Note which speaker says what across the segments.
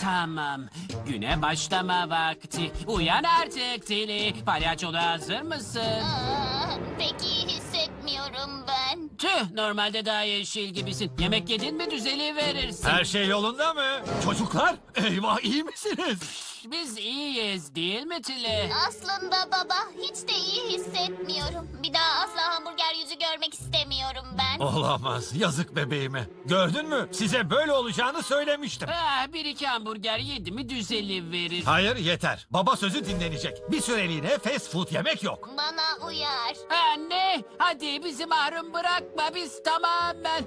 Speaker 1: Tamam. Güne başlama vakti. Uyan artık Tilly. Palyaçoluğa hazır mısın?
Speaker 2: Pek iyi hissetmiyorum ben.
Speaker 1: Tüh, normalde daha yeşil gibisin. Yemek yedin mi düzeliverirsin.
Speaker 3: Her şey yolunda mı? Çocuklar, eyvah iyi misiniz?
Speaker 1: Biz iyiyiz değil mi Tilly?
Speaker 2: Aslında baba hiç de iyi hissetmiyorum. Bir daha asla hamburger yüzü görmek istemiyorum ben.
Speaker 3: Olamaz, yazık bebeğime. Gördün mü? Size böyle olacağını söylemiştim.
Speaker 1: Bir iki hamburger yedi mi düzeliverir.
Speaker 3: Hayır, yeter. Baba sözü dinlenecek. Bir süreliğine fast food yemek yok.
Speaker 2: Bana uyar.
Speaker 1: Anne, hadi bizi mahrum bırakma. Biz tamamen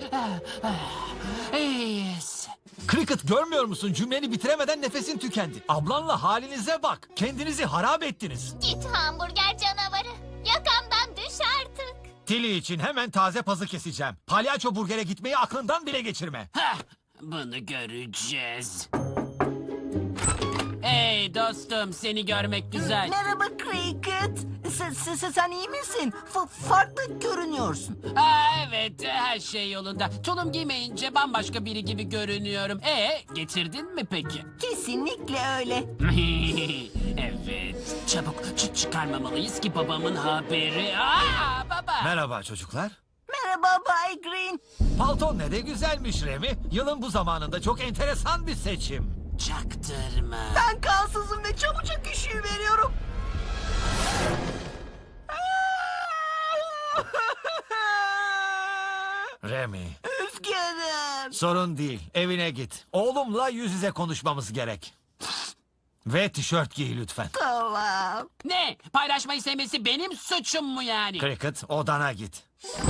Speaker 1: iyiyiz.
Speaker 3: Cricket, görmüyor musun? Cümleni bitiremeden nefesin tükendi. Ablanla halinize bak. Kendinizi harap ettiniz.
Speaker 2: Git hamburger canavarı. Yakamdan düş artık.
Speaker 3: Tilly için hemen taze pazı keseceğim. Palyaço burgere gitmeyi aklından bile geçirme.
Speaker 1: Bunu göreceğiz. Hey dostum, seni görmek güzel.
Speaker 4: Merhaba Cricket. Sen iyi misin? Farklı görünüyorsun.
Speaker 1: Evet, her şey yolunda. Tulum giymeyince bambaşka biri gibi görünüyorum. Getirdin mi peki?
Speaker 4: Kesinlikle öyle.
Speaker 1: Evet, çabuk çıkarmamalıyız ki babamın haberi. Baba!
Speaker 3: Merhaba çocuklar.
Speaker 4: Merhaba Bay Green.
Speaker 3: Palton ne de güzelmiş Remi. Yılın bu zamanında çok enteresan bir seçim.
Speaker 1: Çaktırma.
Speaker 4: Ben kansızım ve çabucak üşüyü veriyorum.
Speaker 3: Remi,
Speaker 4: Üzgünüm.
Speaker 3: sorun değil. Evine git. Oğlumla yüz yüze konuşmamız gerek. Ve tişört giy lütfen.
Speaker 4: Tamam.
Speaker 1: Ne? Paylaşmayı sevmesi benim suçum mu yani?
Speaker 3: Cricket, odana git.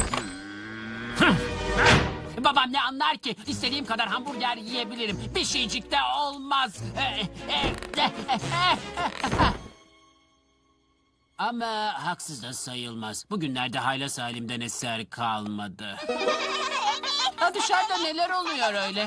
Speaker 1: Babam ne anlar ki? İstediğim kadar hamburger yiyebilirim. Bir şeycik de olmaz. Ama haksız da sayılmaz. Bugünlerde haylaz halimden eser kalmadı. Dışarıda neler oluyor öyle?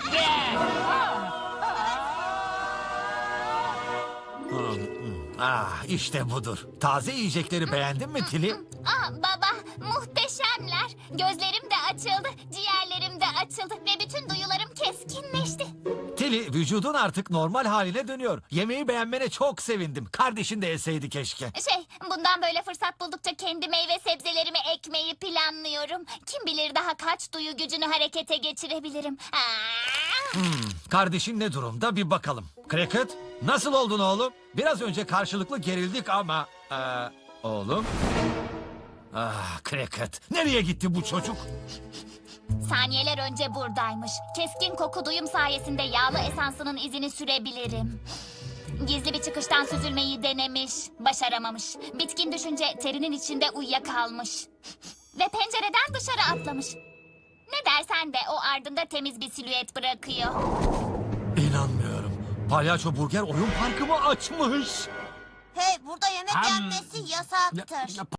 Speaker 3: İşte budur. Taze yiyecekleri beğendin mi Tilly?
Speaker 2: Baba muhteşemler. Gözlerim de açıldı, ciğerlerim de açıldı ve bütün duyularım keskinleşti.
Speaker 3: Tilly, vücudun artık normal haline dönüyor. Yemeği beğenmene çok sevindim. Kardeşin de yeseydi keşke.
Speaker 2: Bundan böyle fırsat buldukça kendi meyve sebzelerimi ekmeyi planlıyorum. Kim bilir daha kaç duyu gücünü harekete geçirebilirim.
Speaker 3: Kardeşin ne durumda bir bakalım. Cricket, nasıl oldun oğlum? Biraz önce karşılıklı gerildik ama... oğlum? Cricket, nereye gitti bu çocuk?
Speaker 2: Saniyeler önce buradaymış. Keskin koku duyum sayesinde yağlı esansının izini sürebilirim. Gizli bir çıkıştan süzülmeyi denemiş, başaramamış. Bitkin düşünce terinin içinde uyuyakalmış. Ve pencereden dışarı atlamış. Ne dersen de o ardında temiz bir silüet bırakıyor.
Speaker 3: İnanmıyorum. Palyaço Burger oyun parkımı açmış.
Speaker 5: Hey, burada yemek
Speaker 1: Ham.
Speaker 5: yenmesi yasaktır.